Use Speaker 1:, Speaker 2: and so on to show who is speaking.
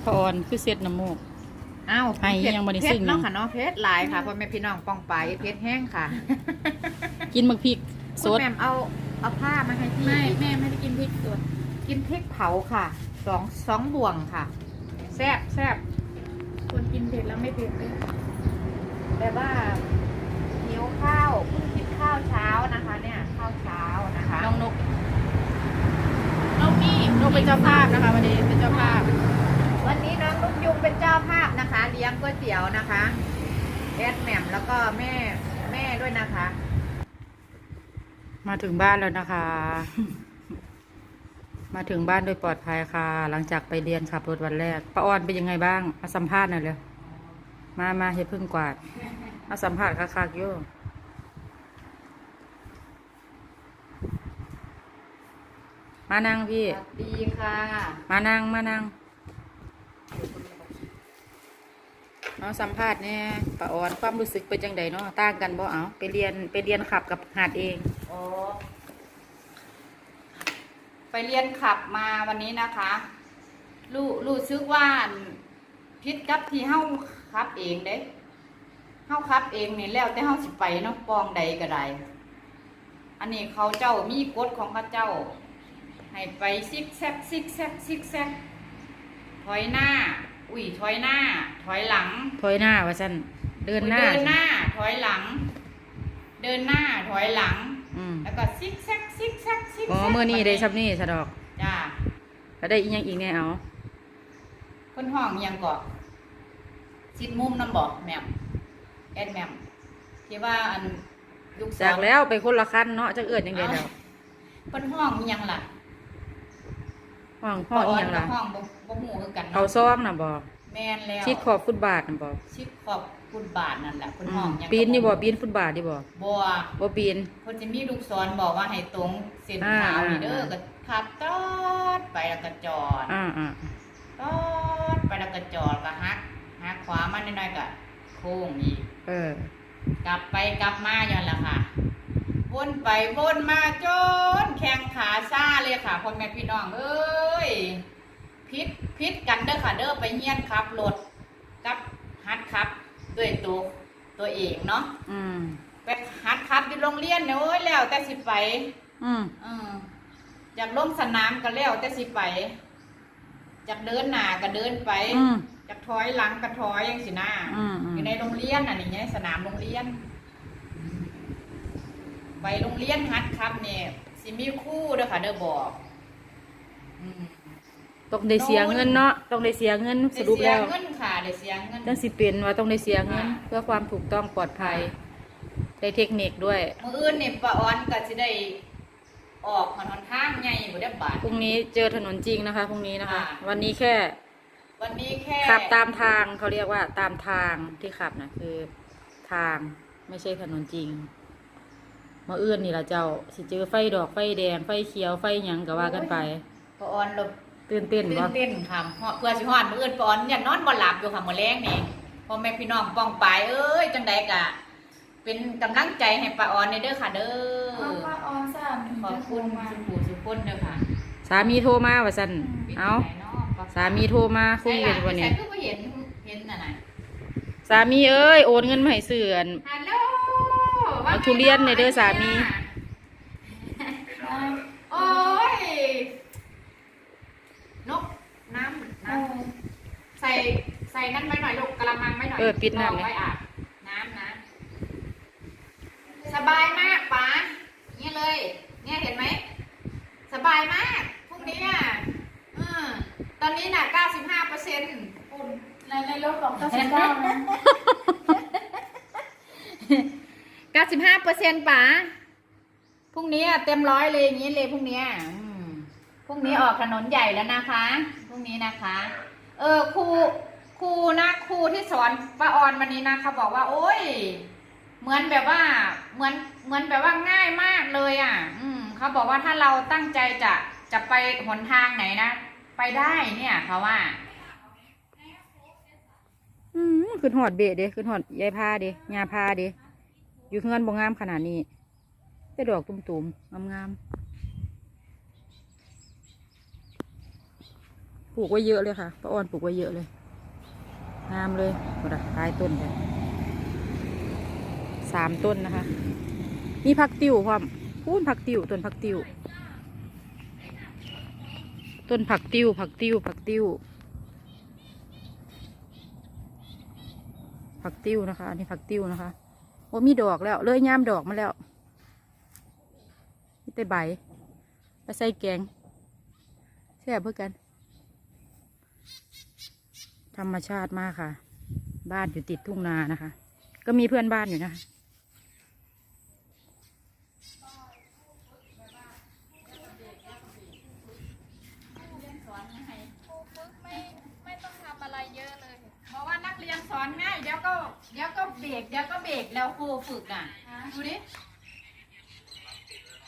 Speaker 1: พออ่อนคือเสร็จน้ำมูก
Speaker 2: อ้าว
Speaker 1: ไอ้ยังบ่ได้ซึ้ง
Speaker 2: เนาะค่ะเนาะเพชรหลายค่ะพ่อแม่พี่น้องป้องไปเพชรแห้งค่ะ
Speaker 1: กินบักพริกส
Speaker 2: คุณ
Speaker 1: ด
Speaker 2: แม่เอาผ้ามาให้พี่
Speaker 3: แม่ไม่ได้กินพริกสด
Speaker 2: กินพริกเผาค่ะสองบ่วงค่ะแซ่บ
Speaker 3: คนกินเผ็ดแล้วไม่เผ็ดเลย
Speaker 2: แบบว่าหิวข้าวเพิ่งกินข้าวเช้านะคะ เนี่ยข้าวเช้านะคะ
Speaker 1: น้องนก
Speaker 3: เรานี่
Speaker 1: นกเป็นเจ้าภาพนะคะวันนี้เป็นเจ้าภาพ
Speaker 2: วันนี้น้องลูกยุงเป็นเจ้าภาพนะคะเลี้ยงก๋วยเตี๋ยวนะคะแอดแหม่มแล้วก็แม่ด้วยนะคะ
Speaker 1: มาถึงบ้านแล้วนะคะ มาถึงบ้านโดยปลอดภัยค่ะ หลังจากไปเรียนขับรถวันแรกป้าออนเป็นยังไงบ้างมาสัมภาษณ์หน่อยเร็วมาเฮ็ดพึ่งกวาดมาสัมภาษณ์คักๆอยู่มานั่งพี่
Speaker 2: สวัสดีค่ะ
Speaker 1: มานั่งเอาสัมภาษณ์เนี่ยป้าออนความรู้สึกเป็นจังไดเนาะต่างกันบ่เอาไปเรียนขับกับหาดเอง
Speaker 2: โอ้ไปเรียนขับมาวันนี้นะคะรู้สึกว่าพิษกับที่เฮาขับเองเด้เฮาขับเองนี่แล้วแต่เฮาสิไปเนาะปองใดก็ได้อันนี้เขาเจ้ามีกฎของเขาเจ้าให้ไปซิกแซกถอยหน้าถอยหน้าถอยหลัง
Speaker 1: ถอยหน้าว่าซั่นเดินหน้า
Speaker 2: ถอยหลัง เดินหน้าถอยหลัง
Speaker 1: อืม
Speaker 2: แล้วก็ซิกแซก
Speaker 1: อ๋อมื้อนี้ได้ซับนี่ซะดอก
Speaker 2: จ้า
Speaker 1: แล้วได้อีหยังอีกแน่เอา
Speaker 2: คนห้องยังเกาะชิดมุมน้ำบอกแหม่มแอดแหม่มที่ว่าอันลูกสา
Speaker 1: จาก
Speaker 2: ว
Speaker 1: แล้วไปคนละคันเนาะจักเอิ้นจังได๋แล้ว
Speaker 2: คนห้องยังล่ะ
Speaker 1: ห้องอีหยังล่ะ
Speaker 2: ห้องบ่หูคือกัน
Speaker 1: เอา
Speaker 2: เนาะ
Speaker 1: ซ่อมน่ะบ่
Speaker 2: แม่นแล้ว
Speaker 1: ชิดขอบฟุตบาทน่ะบ่
Speaker 2: ชิดขอบคุณบาทนั่นแหละคน
Speaker 1: อื
Speaker 2: ห้อ
Speaker 1: ม
Speaker 2: งยัง
Speaker 1: ปีนนี่บ่ปีนฟุตบาทนี่บ่
Speaker 2: บัว
Speaker 1: บ่ปีน
Speaker 2: คนจะมีลูกศรบอกว่าให้ตรงเส้นขาวนี่เด้อก็ขับตอดไปแล้วก็จอด
Speaker 1: อ่า
Speaker 2: ตอดไปแล้วก็จอดก็หักขวามาหน่อยๆก็โค้งอีก
Speaker 1: เออก
Speaker 2: ลับไปกลับมาอย่างละค่ะวนไปวนมาจนแข้งขาซ่าเลยค่ะพ่อแม่พี่น้องเอ้ยพิษกันเด้อค่ะเด้อไปเฮียนขับรถกับฮัดขับด้วยตัวเองเนาะ
Speaker 1: อืม
Speaker 2: ไปฮัดขับอยู่โรงเรียนเนี่ยโอ้ยแล้วแต่สิไป
Speaker 1: อืม
Speaker 2: อยากลงสนามก็แล้วแต่สิไปอยากเดินหน้าก็เดินไป
Speaker 1: อืม
Speaker 2: อยากถอยหลังก็ถอยยังสิหน้า อยู่ในโรงเรียนน่ะนี่ไงสนามโรงเรียน ไปโรงเรียนฮัดครับเนี่ยสิมีครู่เด้อค่ะเด้อบอกอืม
Speaker 1: ต้องได้เสียเงินเนาะต้องได้เสียเงินส
Speaker 2: ได้
Speaker 1: รุป
Speaker 2: เสีย
Speaker 1: แล้ว
Speaker 2: เงินค่ะได้เสียเงิน
Speaker 1: จังสิเป็นว่าต้องได้เสียเงิน เพื่อความถูกต้องปลอดภัยได้เทคนิคด้วย
Speaker 2: มื้ออื่นนี่ป้าออนก็สิได้ออกหนทางใหญ่บ่ได้บาด
Speaker 1: พรุ่งนี้เจอถนนจริงนะคะพรุ่งนี้นะคะ
Speaker 2: ค่ะ
Speaker 1: วันนี้แค่
Speaker 2: วันนี้แค่
Speaker 1: ขับตามทางเขาเรียกว่าตามทางที่ขับนะคือทางไม่ใช่ถนนจริงมาเอื้อนนี่ละเจ้าสิเจอไฟดอกไฟแดงไฟเขียวไฟหยังก็ว่ากันไป
Speaker 2: ป้าออนหลบ
Speaker 1: ตื่นเต้น
Speaker 2: ตื่น
Speaker 1: บ่
Speaker 2: เต้นค่ะเพื่อสิฮอดมื้ออื่นป้าออนอย่านอนบ่หลับอยู่ค่ะมื้อแลงนี่พ่อแม่พี่น้องป้องปายเอ้ยจังใดก็เป็นกำลังใจให้ป้าออนเด้อค่ะเด้
Speaker 3: เอา
Speaker 2: อ
Speaker 3: ป้าออนสาม
Speaker 2: ขอบคุณสุขุสุขคนเด้อค่ะ
Speaker 1: สามีโทรมาว่าซั่นเอาสามีโทรมาคุยกันวันนี้
Speaker 2: ใส่คือบ่เห็นน่ะ
Speaker 1: สามีเอ้ยโอนเงินมาให้ซื้ออัน
Speaker 2: ฮัลโหล
Speaker 1: เอาทุเรียนหน่อยเด้อสามี
Speaker 2: โอ้ยนกน้ำใส่นั่นไว้หน่อยลูกกระมังไว้หน่อย
Speaker 1: ปิดน้ำ
Speaker 2: ไว้อาบน้ำนะสบายมากป๋าเนี่ยเลยเนี่ยเห็นไหมสบายมากพรุ่งนี้อ่ะตอนนี้น่ะ95%
Speaker 3: อุ่นในรถของ99นะ
Speaker 2: 95%ป๋าพรุ่งนี้เต็ม100เลยอย่างนี้เลยพรุ่งนี้พรุ่งนี้ออกถนนใหญ่แล้วนะคะพรุ่งนี้นะคะครูที่สอนป้าออนวันนี้นะเขาบอกว่าโอ้ยเหมือนแบบว่าเหมือนแบบว่าง่ายมากเลยอ่ะเขาบอกว่าถ้าเราตั้งใจจะไปหนทางไหนนะไปได้เนี่ยเขาว่า
Speaker 1: ขึ้นหอดเบะเด้ขึ้นหอดยายพาเด้ยาพาเด้อยู่เฮือนบ่งามขนาดนี้แต่ดอกตุ่มๆงามๆปลูกไว้เยอะเลยค่ะป้าอ้อนปลูกไว้เยอะเลยงามเลยหมดอะตายต้นเลย3 ต้นนะคะมีผักติ๋วความพูนผักติ๋วต้นผักติ๋วต้นผักติ๋วผักติ๋วผักติ๋วผักติ๋วนะคะอันนี้ผักติ๋วนะคะโอ้มีดอกแล้วเลยย่ามดอกมาแล้วนี่แต่ใบไปใส่แกงแซ่บเพื่อกันธรรมชาติมากค่ะบ้านอยู่ติดทุ่งนานะคะก็มีเพื่อนบ้านอยู่นะคะ
Speaker 3: ไม่ต้องทำอะไรเยอะเลย
Speaker 2: เพราะว่านักเรียนสอนง่ายเดี๋ยวก็เบรกแล้วครูฝึกอ่ะดูดิ